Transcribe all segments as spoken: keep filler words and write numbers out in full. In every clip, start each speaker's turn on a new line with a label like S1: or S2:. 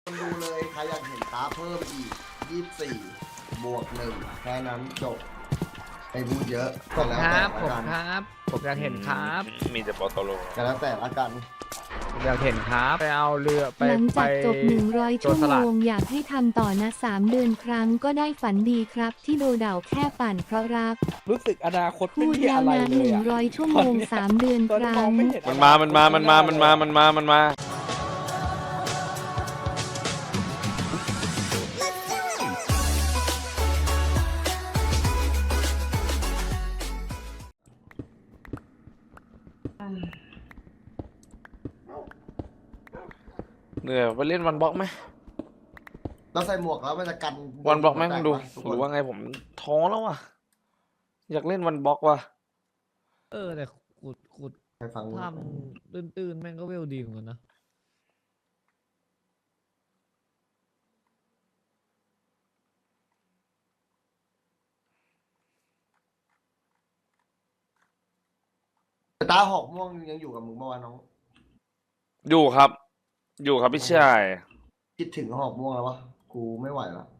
S1: คนดูเลยใครอยากเห็นตาเพิ่มอีกยี่สิบสี่บวกหนึ่งแค่นั้นจบไม่พูดเยอะ
S2: ผ
S1: ก็
S2: ม
S1: แล้ว
S2: ค
S1: แต่
S2: รับ
S1: ละ
S2: ผม
S1: กัน
S2: ครับ ผมอยากเห็นครับ
S3: มีแต่ปอโตโล
S1: ก็แล้วแต่ละกัน
S2: ผมอยากเห็นครับไปเอาเรือไป
S4: หลัง
S2: ไป
S4: จากจบ หนึ่งร้อย
S2: โจ
S4: ชั่
S2: ร
S4: ว
S2: ส
S4: โม
S2: ลัด
S4: งอยากให้ทำต่อนะสามเดือนครั้งก็ได้ฝันดีครับที่โดเด่าแค่ปั่นเพราะรัก
S5: รู้สึกอนาคต
S4: พู
S5: ไม่
S4: ด
S5: มี
S4: แล้
S5: อะ
S4: ว
S5: ไร
S4: นะ
S5: เล
S4: ห
S5: ย
S4: นึ่ง
S5: อะ
S4: ร้อยชั่วโมงสามเดือน
S5: ตอน
S4: ค
S5: นี้
S4: รั้
S5: มอง
S4: ง
S5: ไม่เห็น
S3: มันมา มันมา มันมา มันมา มันมา มันมา เหนื่อยไปเล่นวันบล็อกไหม
S1: เราใส่หมวกแล้วมันจะกัน
S3: วันบล็อกไหม
S1: แต
S3: คุณดู
S1: ทุก
S3: ห
S1: ค
S3: รื
S1: น
S3: อว่าไงผมท้อแล้วว่ะ อยากเล่นวันบล็อกว่ะ
S2: เออแต่ขุดขุด
S1: ไปฟัง
S2: ทำตื้นๆแม่งก็เวลดีเหมือนกันนะ
S1: แต่ตาหอกม่วงยังอยู่กับมึงเมื่อวานน้อง
S3: อยู่ครับ อยู่ครับพี่ชาย
S1: คิดถึงหอกม่วงแล้ววะกูไม่ไหวแล้ว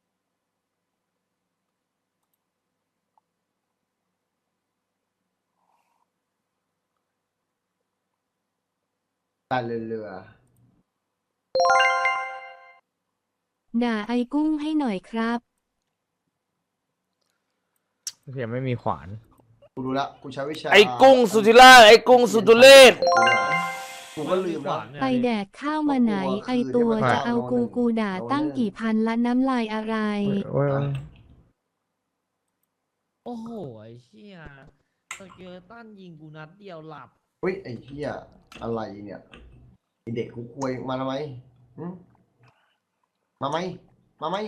S1: การเรือเรือ
S4: ด่าไอ้กุ้งให้หน่อยครับ
S2: เพียงไม่มีขวาน
S1: กูรู้ละกูใช้วิชา
S3: ไอ้กุ้งสุธิราชไอ้กุ้งสุทุเรศ
S1: กูก็ลืมแล้ว
S4: ไปแดกข้าวมาไหน ไอตัวจะเอากูกูด่าตั้งกี่พันละน้ำลายอะไร
S2: โอ้ย
S6: โอ้โห ไอ้เชี่ยสเกเลตันยิงกูนัดเดียวหลับ
S1: เฮ้ยไอ้เหี้ยอะไรเนี่ยไอเด็กกูควยมาทำไมหึมาไหมมาไหม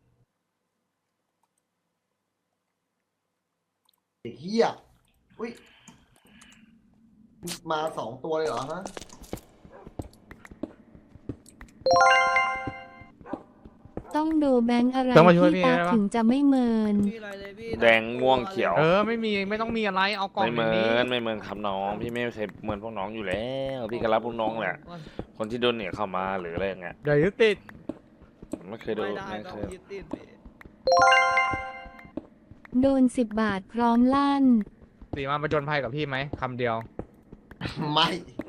S1: เด็กเหี้ยอุ้ยมาสองตัวเลยเหรอฮะ
S4: ต้องโดแบงค์อะไร
S2: ต้องมาช่วยพี่
S4: พี่ตา
S2: ได้ปะ
S4: ถึงจะไม่เมิน
S6: พี่อะไรเลยพี่
S3: แดงม่วงเขียว
S2: เออไม่มีไม่ต้องมีอะไรเอากล่อง
S3: ไม่เห
S2: อ
S3: มื
S2: ย่างนี้
S3: อนไม่เหมือนครับน้อง พี่ไม่เคยเหมือนพวกน้องอยู่แล้ว พี่ก็รับพวกน้องแหละ คนที่โดนเนี่ยเข้ามาหรืออะไรอย่างเงี้ย
S2: เดี๋ยวยึดติด
S3: ผมไม่เคยโด
S6: ไม่
S3: น
S6: ได้
S3: ไม่
S6: ต้อ
S3: เค
S6: ง
S3: ย
S6: ยึดติดพี่
S4: โดนสิบบาทพร้อมลั่น
S2: สีมาประจนภัยกับพี่ไหมคำเดียว
S1: ไม่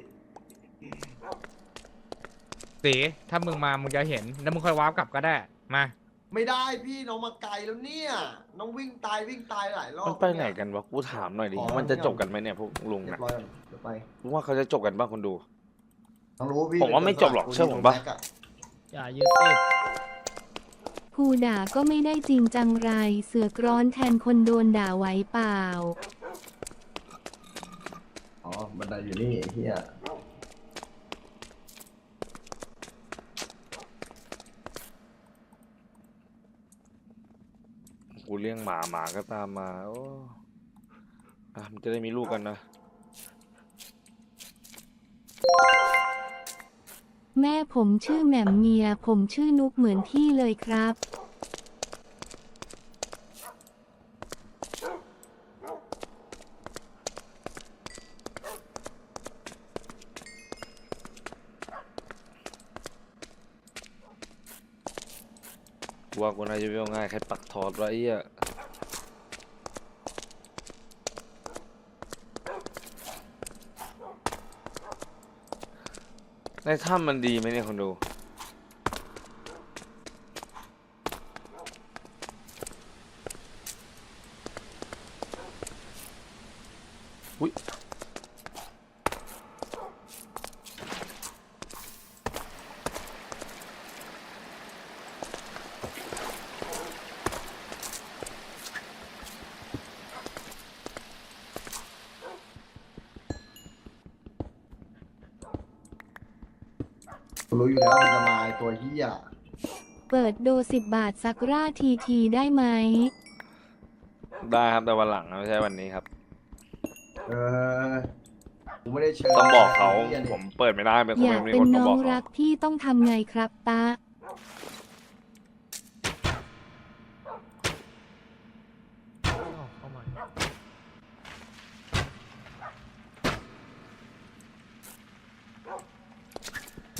S2: สีถ้ามึงมามึงจะเห็นแล้วมึงค่อยวาร์ปกลับก็ได้มา
S1: ไม่ได้พี่น้องมาไกลแล้วเนี่ยน้องวิ่งตายวิ่งตายหลายรอบ
S3: มันไปไหนกันวะ กูถามหน่อยดิ มันจะจบกันไหมเนี่ยพวกลุง
S1: เรีย
S3: นะ
S1: บร้อยแล้วเดี๋ยวไป
S3: รู้ว่าเขาจะจบกันบ้างคนดู
S1: ต้องรู้พี่
S3: ผมว่าไม่จบหรอกเชื่อผมปะ
S6: อย่ายึดติด
S4: ผู้ด่าก็ไม่ได้จริงจังไร เสือกร้อนแทนคนโดนด่าไหวเปล่า
S1: อ๋อบันไดอยู่นี่ไอ้เฮีย
S3: กูเลี้ยงหมาหมาก็ตามมา โอ้อ่ะมันจะได้มีลูกกันนะ
S4: แม่ผมชื่อแหม่มเมีย ผมชื่อนุกเหมือนพี่เลยครับ
S3: กูว่ากูน่าจะเวลง่ายแค่ปักทอดไว้ไอ้เหี้ยในถ้ำมันดีไหมเนี่ยคนดู อุ้ย
S1: กูรู้อยู่แล้วมันจะมาไอ้ตัวเฮีย
S4: เปิดโดสิบบาทสักราทีทีได้ไหม
S3: ได้ครับแต่วันหลังนะไม่ใช่วันนี้ครับ
S1: เออกูไม่ได้เชิญ
S3: ต้องบอกเขา
S1: ไหี้ยนี่
S3: ผมเปิดไม่ได้เป็นคน
S4: อยาก
S3: ไม่มี
S4: เป็น
S3: คนมา
S4: น้
S3: บ
S4: อ
S3: อง กเขา
S4: รักพี่ต้องทำไงครับตา
S6: เข้ามา
S3: ร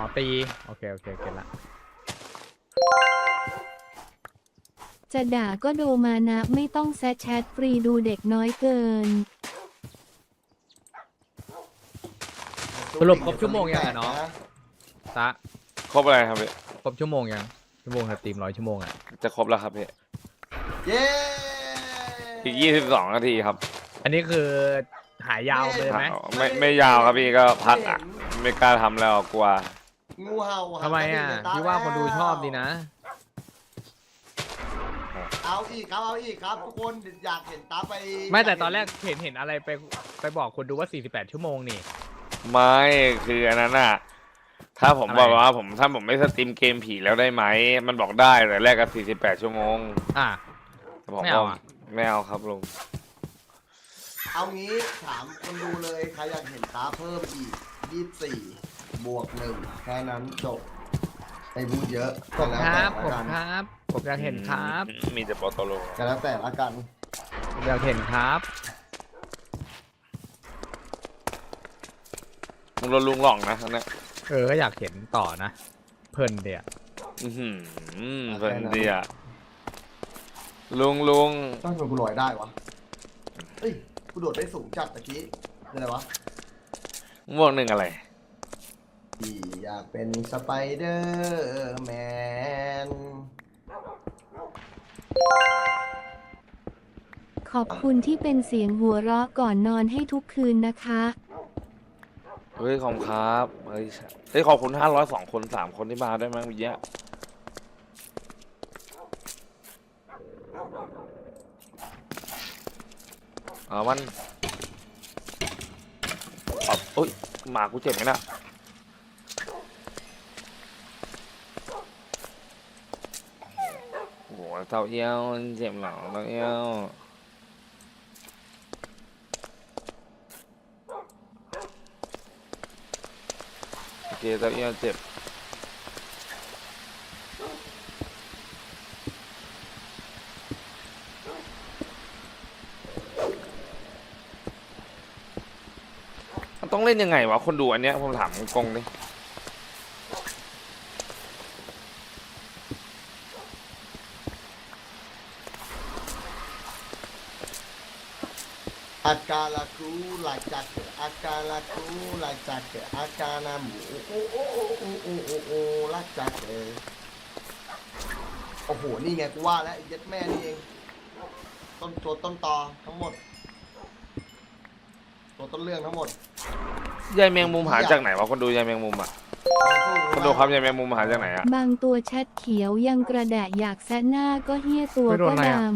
S2: อตีโอเคโอเคเก็ตละ
S4: จะด่าก็โดมานะไม่ต้องแซะแชทฟรีดูเด็กน้อยเกิน
S2: สรุปครบชั่วโมงยังอะเนาะตะ
S3: ครบอะไรครับพี่
S2: ครบชั่วโมงยังชั่วโมงสตรีมร้อยชั่วโมงอ่ะ
S3: จะครบแล้วครับพี่
S1: เย้
S3: อีกยี่สิบสองนาทีครับ
S2: อันนี้คือหายยาวเลยไหม
S3: ไม่ไม่ยาวครับพี่ก็พักอ่ะไม่กล้าทำแล้วกลัว
S1: งูเห่า
S2: ทำไมอ่ะ
S1: หา
S2: พี่ว่าคนดูชอบดีนะ
S1: เอาอีกครับเอาอีกครับทุกคนอยากเห็นตาไป
S2: ไม่แต่ตอนแรกเห็นเห็นอะไรไปไปบอกคนดูว่าสี่สิบแปดชั่วโมงนี่
S3: ไม่คืออันนั้นอ่ะถ้าผม
S2: อะไร
S3: บอกว่าผมถ้าผมไม่สตรีมเกมผีแล้วได้ไหมมันบอกได้แต่แรกก็สี่สิบแปดชั่วโมง
S2: อ่ะ
S3: ผม
S2: ไม่เอา
S3: บอก
S2: อะ
S3: ไม่เอาครับลุง
S1: เอางี้ถามคนดูเลยใครอยากเห็นตาเพิ่มอีกยี่สิบสี่บวกหนึ่งแค่นั้นจบไอ้พูดเยอะ
S2: ผม
S1: ก็แล้ว
S2: ค
S1: แต่
S2: รับ
S1: ละ
S2: ผม
S1: กัน
S2: ครับ ผมอยากเห็นครับ
S3: มีแต่โปรโตโล
S1: ก็แล้วแต่ละกัน
S2: ผมอยากเห็นครับ
S3: ลุงโดนลุงหลอกนะอันเนี้ย
S2: เออก็อยากเห็นต่อนะ เพลินเดีย
S3: อื้อหือเพื่อนดีอ่ะลุงลุง
S1: ต้องเป็นกูลอยได้วะเฮ้ยกูโดดได้สูงจัดตะกี้คืออะไรวะ
S3: ม่วงหนึ่งอะไร
S1: ที่อยากเป็นสไปเดอร์แมน
S4: ขอบคุณที่เป็นเสียงหัวเราะก่อนนอนให้ทุกคืนนะคะ
S3: เฮ้ยขอบคุณครับเฮ้ยเฮ้ยขอบคุณห้าร้อยสองคนสามคนที่มาได้มั้งวิยะเอามันเอาโอ้ยหมากูเจ็บไหมนะโอ้โหเต่าเอี้ยวเจ็บหลังเต่าเอี้ยวโอเคเต่าเอี้ยวเจ็บมันต้องเล่นยังไงวะคนดูอันเนี้ยผมถามกงดิ
S1: อากาลากูลาจักอากาลากูลาจักอากานาหมูโอ้โอ้โอ้โอ้โอ้โอ้โอ้ลาจักเออโอ้โหนี่ไงกูว่าแล้วไอ้เย็ดแม่นี่เองต้นตัวต้นตอทั้งหมดตัวต้นเรื่องทั้งหมด
S3: ยายแมงมุมหาจากไหนวะคนดูยายแมงมุมอ่ะคนดูครับยายแมงมุมหาจากไหนอ่ะ
S4: บางตัวแชทเขียวยังกระแดะอยากแซะหน้าก็เฮี้ยตัว
S2: ไม่โด
S4: ก็
S2: นอะไร
S4: ด
S2: อะ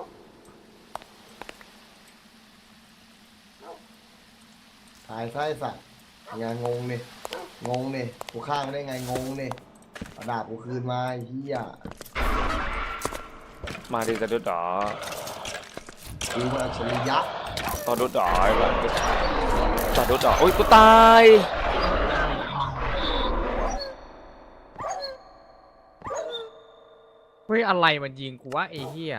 S1: ตายไส้สัตว์งานงงนี่งงนี่กูฆ่ามันได้ไงงงนี่เอาดาบกูคืนมาไอ้เหี้ย
S3: มาดิจะดูดอ
S1: กูมันอัจฉริยะ
S3: ต่อดูดอไอ้บ้าต่อดูดอโอ้ยกูตาย
S2: เฮ้ยอะไรมันยิงกูว่าไอ้เหี้ย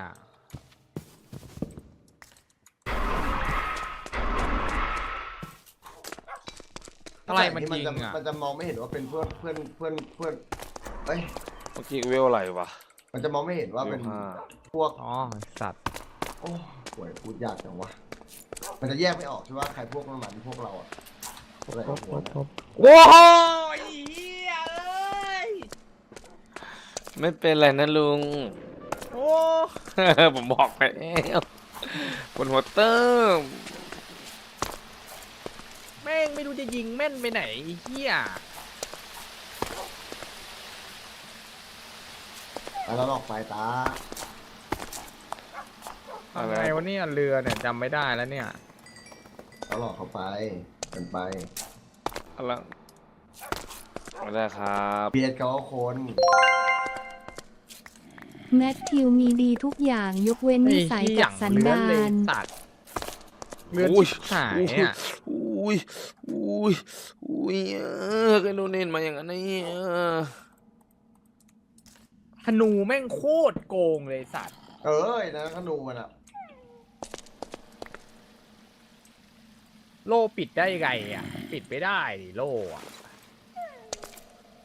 S2: อะไรมันยิง
S1: จะ
S2: อ่ะ
S1: มันจะมองไม่เห็นว่าเป็นเพื่อนเพื่อนเพื่อนเพื่อนเอ้ย
S3: เมื่อกี้เวลอะไรวะ
S1: มันจะมองไม่เห็นว่าเป็น
S3: เวลห้า
S1: พวก
S2: อ๋อสัตว์
S1: โอ้ห่วยพูดยากจังวะมันจะแยกไม่ออกใช่ว่าใครพวกมันหมันพวกเราอ่ะพวกอะไรของหัวเนี่ย
S2: โอ้โหไอ้เหี้ยเอ้ย
S3: ไม่เป็นไรนะลุง
S2: โอ้
S3: ผมบอกไปแล้วบนหัวเติม
S2: แม่งไม่รู้จะยิงแม่นไปไหนไอ้เหี้ย
S1: แล้วเราออกไปตา
S2: อะไรวะเนี่ยเรือเนี่ยจำไม่ได้แล้วเนี่ย
S1: เราหลอกเขาไปกันไป
S3: อะไรไม่ได้ครับ
S1: เบียดเขาก็คน
S4: ำแมทธิวมีดีทุกอย่างยกเว้นนิสัยกับสันดาน
S2: ตัดเลือด
S3: อุ้ย
S2: ชิบหายอ่ะ
S3: อุ้ยอุ้ยอุ้ยเออใครโดนเน้นมาอย่างนั้นเนี่ย
S2: ธนูแม่งโคตรโกงเลยสัตว์
S1: เอ้ยนะขนูมันอ่ะ
S2: โล่ปิดได้ไงอ่ะ ปิดไม่ได้ดิโล่อะ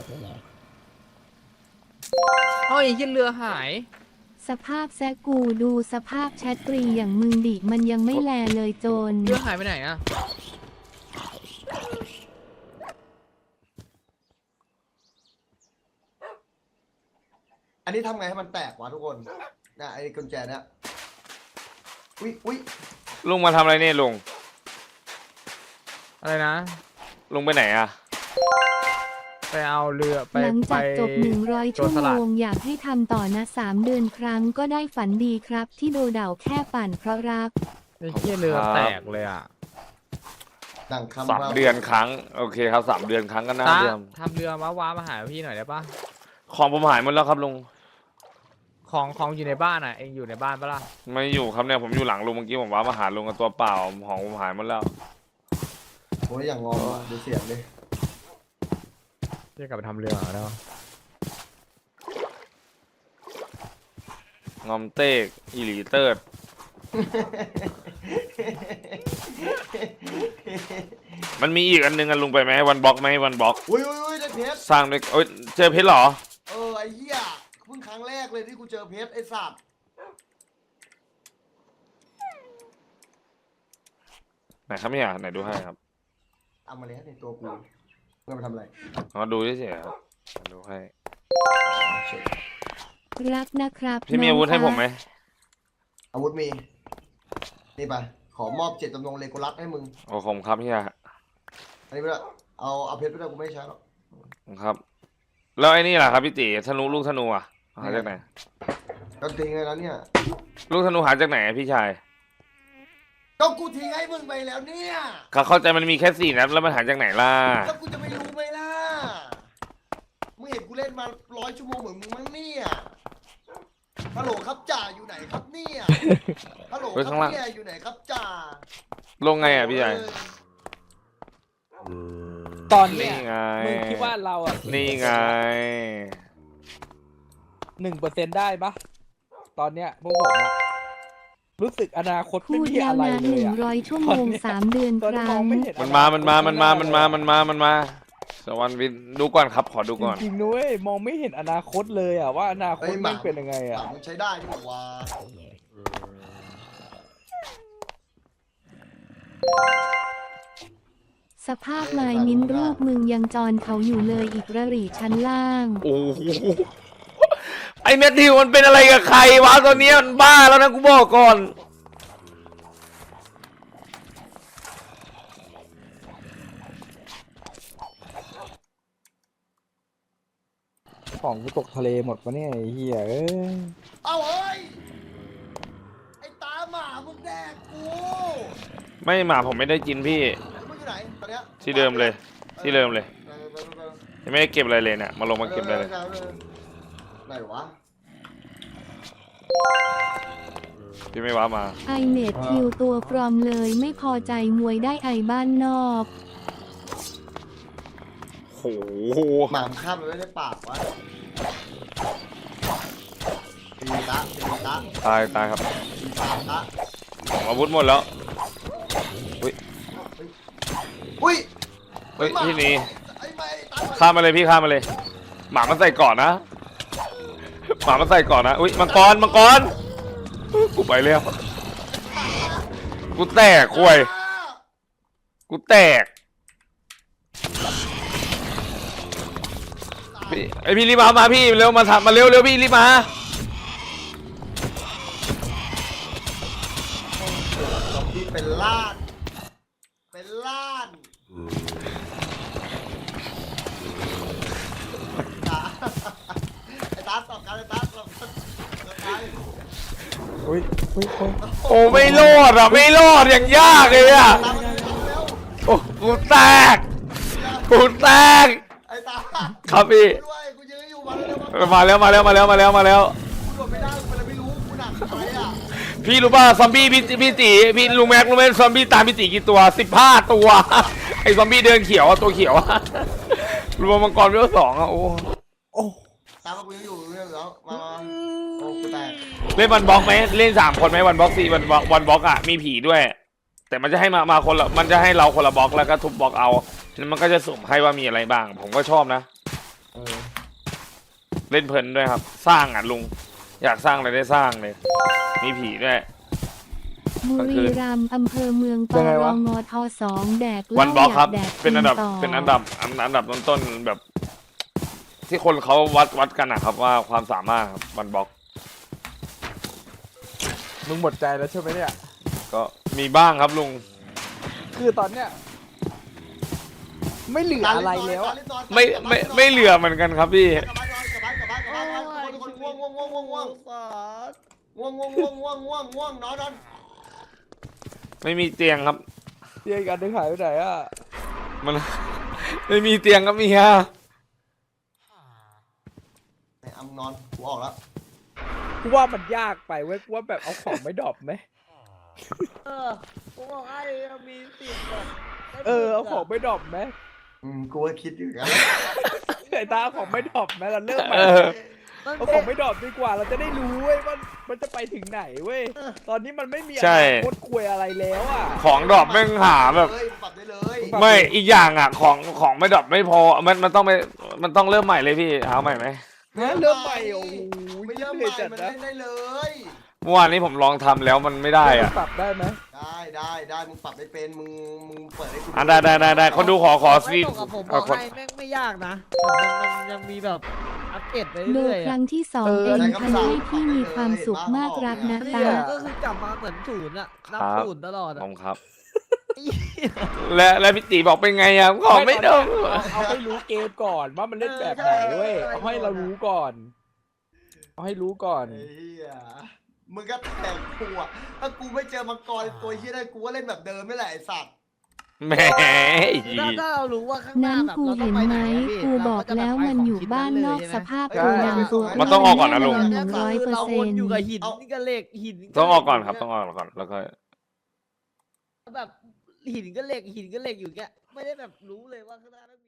S2: เอ้ยยันเรือหาย
S4: สภาพแซกกูดูสภาพแชทตรีอย่างมึงดิมันยังไม่แลเลยโจร
S2: เรือหายไปไหนอะ
S1: อันนี้ทำไงให้มันแตกวะทุกคนนะไอ้กุญแจเนี่ยอุ้ยอุ้ย
S3: ลุงมาทำอะไรเนี่ยลุง
S2: อะไรนะ
S3: ลุงไปไหนอะ
S2: ไปเอาเรือไป
S4: หลัง
S2: ไป
S4: จากจบหนึ่งร้อย
S2: โจ
S4: ชั่
S2: ร
S4: ว
S2: สลั
S4: โม
S2: ด
S4: งอยากให้ทำต่อนะสามเดือนครั้งก็ได้ฝันดีครับ ที่โดเด่าแค่ปั่นเพราะรัก
S2: ไอ้เหี้ยเรือแตกเลยอ่ะ
S1: ดังคำ
S3: สามเดือนครั้งโอเคครับสามเดือนครั้งก็น่า
S2: ตา
S3: เดิม
S2: ทำเรือมาว้ามาหาพี่หน่อยได้ปะ
S3: ของผมหายหมดแล้วครับลุง
S2: ของของอยู่ในบ้านอ่ะเองอยู่ในบ้านปะล่ะ
S3: ไม่อยู่ครับเนี่ยผมอยู่หลังลุงเมื่อกี้ผมว่ามาหาลุงกับตัวเปล่าของผมหายหมดแล้ว
S1: โอ้ยอย่างงอมอ่ะดูเสียงดิ
S2: จะกลับไปทำเรือแล้ว
S3: งอมเต้กอีหลีเติร์ดมันมีอีกอันนึงอันลุงไปไหมวันบล็อกไหมวันบล็อก
S1: อุ้ยอุ้ยอุ้ยได้เพชร
S3: สร้างด้วยโอ้ยเจอเพชรเหรอ
S1: เออไอ้เหี้ยเพิ่งครั้งแรกเลยที่กูเจอเพชรไอ้สัตว์
S3: ไหนครับเนี่ยไหนดูให้ครับ
S1: เอามาแล้วในตัวกูเพื่อมาทำอะไร
S3: มาดูเฉยๆครับมาดูให้
S4: รักนะครับ
S3: พี่มีอาวุธให้ผมไหม
S1: อาวุธมีนี่ไปขอมอบเจตจำนงเลโกลัสให้มึง
S3: โอ้ผมครับเฮีย
S1: อันนี้ไม่ได้เอาเอาเพชรไม่ได้กูไม่ใช้หรอก
S3: ครับ แล้วไอ้นี่ล่ะครับพี่ตีธนูลูกธนูอ่ะหาจากไหน
S1: ก็ทิ้งไงแล้วเนี่ย
S3: ลูกธนูหาจากไหนอะพี่ชาย
S1: ก็กูทิ้งให้มึงไปแล้วเนี่ย
S3: เขาเข้าใจมันมีแค่สี่นัดแล้วมันหาจากไหนล่ะ
S1: แล้วกูจะไม่รู้ไหมล่ะมึงเห็นกูเล่นมาร้อยชั่วโมงเหมือนมึงมั้งเนี่ยฮัลโหลครับจ่าอยู่ไหนครับเนี่ยฮัลโหลครับเนี่ยอยู่ไหนครับจ่า
S3: ลงไงอ่ะพี่ชาย
S5: ตอนเนี้
S3: นี่
S5: ย
S3: ไง
S5: มึงคิดว่าเราอ่ะ
S3: นี่ไง
S5: หนึ่งเปอร์เซ็นต์ได้ปะตอนเนี้ยพวกผมอะรู้สึกอนาคต
S4: พู
S5: ไม่
S4: ด
S5: มี
S4: ยา
S5: อะ
S4: ว
S5: ไร
S4: นาน
S5: เล
S4: หนึ่
S5: ย
S4: ง
S5: อะ
S4: ร้อยชั่วโมงสามเดือน
S5: ตอน
S4: ค
S5: นี้
S4: รั้
S5: มอง
S4: ง
S5: ไม่เห็น
S3: มันมามันมามันมามันมามันมามันมาสวรรค์วินดูก่อนครับขอดูก่อน
S5: จริงๆนุ้ยมองไม่เห็นอนาคตเลยอ่ะว่าอนาคตมันเป็นยังไง
S1: ห
S5: อ่ะ
S1: ลังใช้ได้ดีกว่า
S4: สภาพลายมิ้นรูปมึงยังจอนเขาอยู่เลยอีกระหรี่ชั้นล่าง
S3: โอ้โหไอ้แมทธิวมันเป็นอะไรกับใครวะตอนนี้มันบ้าแล้วนะกูบอกก่อน
S5: ของกูตกทะเลหมดปะเนี่ยไอ้เหี้ยเอ้ย
S1: เอาเฮ้ยไอ้ตาหมามึงแดกกู
S3: ไม่หมาผมไม่ได้กินพี่
S1: มึงอยู่ไหนตอนเนี้ย
S3: ที่เดิมเลย ที่เดิมเลย
S1: เออเออเออ
S3: ยังไม่ได้เก็บอะไรเลยเนี่ยมาลงมาเก็บอะไรเลย
S1: ออออไหนวะ
S3: พี่ไม่ว้ามา
S4: ไอเน็ตคิวตัวปลอมเลยไม่พอใจมวยได้ไอบ้านนอก
S3: โห
S1: หมามึงข้ามไปไม่ได้ปากวะตีตะตีตะ
S3: ตายตายครับ
S1: ตีตาตะ
S3: ของอาวุธหมดแล้ว
S1: อุ้ย
S3: เฮ้ยพี่นี่
S1: ไอ้ไม่ตา
S3: ข้ามมาเลยพี่ข้ามมาเลย หมามันใส่ก่อนนะ หมามันใส่ก่อนนะอุ้ยมังกรมังกรกูไปแล้วกูแตกคุยกูแตกพี่ไอพี่รีบมามาพี่เร็วมาทำมาเร็วเร็วพี่รีบมา
S1: ที่เป็นล้าน เป็นล้านตาไอ้ตาตอบกันไอ้ตาตอบกันตอบกัน
S5: อุ้ยอุ้ยอุ้ย
S3: โอ้ไม่รอดอ่ะไม่รอดอย่างยากเลยอ่ะ
S1: ตามมาเร็ว
S3: โอ้กูแตกกูแตก
S1: ไอ้ตา
S3: ครับพี่
S1: ด้วยกูยืนอยู่มาเร็ว
S3: มาแล้วมาแล้วมาแล้วมาแล้วมาแล้ว
S1: กูโดดไม่ได้กูเลยไม่รู้กูหนักไปอ่ะ
S3: พี่รู้ป่ะซอมบี้พี่พี่ตีพี่ลุงแม็กรู้ไหมซอมบี้ตามพี่ตีกี่ตัวสิบห้าตัวไอ้ซอมบี้เดินเขียวอะตัวเขียวอะรวมมังกรเวลสองอะโอ้
S5: โอ้
S1: ตามมากูยังอยู่เรื่องแล้วมามาโอ้กูแตก
S3: เล่นวันบล็อกไหมเล่นสามคนไหมวันบล็อกสี่วันบล็อกวันบล็อกอะมีผีด้วย แต่มันจะให้มามาคนละมันจะให้เราคนละบล็อกแล้วก็ทุบบล็อกเอาแล้วมันก็จะสุ่มให้ว่ามีอะไรบ้าง ผมก็ชอบนะ
S1: เออ
S3: เล่นเพลินด้วยครับ สร้างอ่ะลุง อยากสร้างอะไรได้สร้างเลย มีผีด้วย
S4: บุรีรัมย์อำเภอเมืองป
S5: ยังไง
S4: ร
S5: วะ
S4: งทสองแดกเห
S3: วั
S4: ล้าน
S3: บล็อก
S4: อยา
S3: ครับ
S4: กแดก
S3: เป็นอันดับ
S4: ต่
S3: เป็นอันดับอันอันดับต้นๆแบบ ที่คนเขาวัดวัดกันนะครับว่าความสามารถครับวันบล็อก
S5: มึงหมดใจแล้วใช่ไหมเนี่ย
S3: ก็มีบ้างครับลุง
S5: คือตอนเนี้ยไม่เหลืออะไรแล้วอะ
S3: ไม่ไม่ไม่เหลือเหมือนกันครับพี่
S1: กลับบ้านนอนกลับบ้านกลับบ้านกลับบ้านกลับบ้านทุกคนทุกคนง่วงง่วงง่วงง่วงง่วง
S6: สาด
S1: ง่วงง่วงง่วงง่วงง่วงง่วงนอนนอน
S3: ไม่มีเตียงครับ
S5: เตียงกันได้หายไปไหนอ่ะ
S3: มัน ไม่มีเตียงครับเมีย
S1: ไอ้อำนอนกูออกแล้ว
S5: กูว่ามันยากไปเว้ยกูว่าแบบเอาของไม่ดรอปไหม
S6: เออกูบอกไอ้มีสิทธิ์แบบได้
S5: เออเอาของ
S6: บุญ
S5: ไม่ดรอปไหม
S1: อืมกูก็คิดอยู่กัน
S5: ไอ้ตาเอาของไม่ดรอปไหมเราเลิกใหม่
S3: เออ
S6: มัน
S5: เอาข
S6: เป็
S5: อน งไม่ดรอปดีกว่าเราจะได้รู้เว้ยว่ามันจะไปถึงไหนเว้ยตอนนี้มันไม่มีอ
S3: ใช่
S5: นาคตคุยอะไรแล้วอ่ะ
S3: ของดรอปแม่งหาแบบ
S1: เลยปรับได้เลย
S3: ไม่อีกอย่างอ่ะ ของของไม่ดรอปไม่พอ มันมันต้องไปมันต้องเริ่มใหม่เลยพี่เอาใหม่ไหม
S5: นะเริ่มใหม่โอ้โห
S1: ไม่เริ่ม
S5: เห
S1: ให
S5: นื่
S1: ม่
S5: อยจัด
S1: มัน
S5: นะ
S1: เล่นได้เลย
S3: เมื่อวานนี้ผมลองทำแล้วมันไม่ได้อ่ะ
S5: ปรับได้ไหม
S1: ได้ได้ได้มึงปรับไม่เป็นมึงมึงเปิดให้กู
S3: อ่ะได้ได้ได้ได้คนดูขอขอ
S6: ไม่
S3: ฟีด
S6: ตกกับผมบ
S3: เอา
S6: อก
S3: คน
S6: ให้แม่งไม่ยากนะมันมันยังมีแบบอัปเดตไป
S4: โด
S6: เรื่
S4: ย
S6: อย
S4: ค
S6: ๆ
S4: รั้
S6: อะ
S4: งที่สองเองทำให้พี่มีความสุขมากรักนะ
S6: นี่
S4: ตา
S6: ก็คือกลับมาเหมือนศูนย์อะนับศูนย์ตลอดอะ
S3: ผมครับ และและพี่ตีบอกเป็นไงอ่ะของไม่ดรอป
S5: เอาเอาให้รู้เกมก่อนว่ามันเล่นแบบไหนเว้ยเอาให้เรารู้ก่อนเอาให้รู้ก่อน
S1: ไอ้เหี้ยมึงก็แทงกูอ่ะถ้ากูไม่เจอมังกรตัวเหี้ยได้กูก็เล่นแบบเดิมไม่แหละไอ้สัตว์
S3: แหม
S6: ถ้าถ้าเรารู้ว่าข้างหน้า
S4: นั้น
S6: แบบ
S4: กู
S6: เราต้อ
S4: เห็
S6: ง
S4: น
S6: ไป
S4: ไห
S6: ไห
S4: ม
S6: นอะพี่
S4: กูบอกแล้วมันอยู่บ้านนอกสภาพ
S1: เอ
S4: กู
S1: อ
S4: ดำตัว
S3: มันต้องออกก่อนนะลุง
S4: หนึ่งร้อยเปอร์
S6: เรา
S4: เซ็
S6: วน
S4: น
S6: อยู่
S4: ต์
S6: กับหินกับเหล็กหิน
S3: ต้องออกก่อนครับต้องออกก่อนแล้วก็
S6: แบบหินกับเหล็กหินกับเหล็กอยู่เงี้ยไม่ได้แบบรู้เลยว่าข้างหน้านั้น